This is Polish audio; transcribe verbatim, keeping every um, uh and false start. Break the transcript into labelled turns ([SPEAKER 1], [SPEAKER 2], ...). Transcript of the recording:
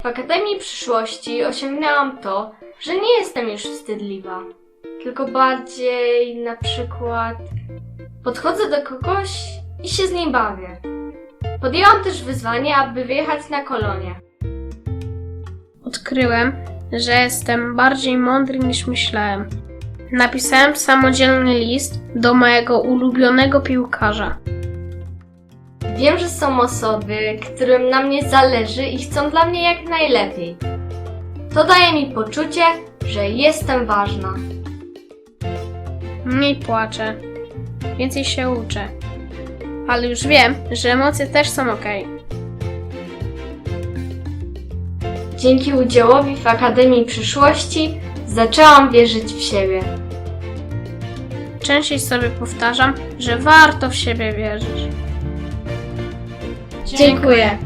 [SPEAKER 1] W Akademii Przyszłości osiągnęłam to, że nie jestem już wstydliwa, tylko bardziej na przykład podchodzę do kogoś i się z nim bawię. Podjęłam też wyzwanie, aby wyjechać na kolonie.
[SPEAKER 2] Odkryłem, że jestem bardziej mądry niż myślałem. Napisałem samodzielny list do mojego ulubionego piłkarza.
[SPEAKER 1] Wiem, że są osoby, którym na mnie zależy i chcą dla mnie jak najlepiej. To daje mi poczucie, że jestem ważna.
[SPEAKER 2] Mniej płaczę, więcej się uczę. Ale już wiem, że emocje też są okej.
[SPEAKER 1] Dzięki udziałowi w Akademii Przyszłości zaczęłam wierzyć w siebie.
[SPEAKER 2] Częściej sobie powtarzam, że warto w siebie wierzyć.
[SPEAKER 1] Dziękuję.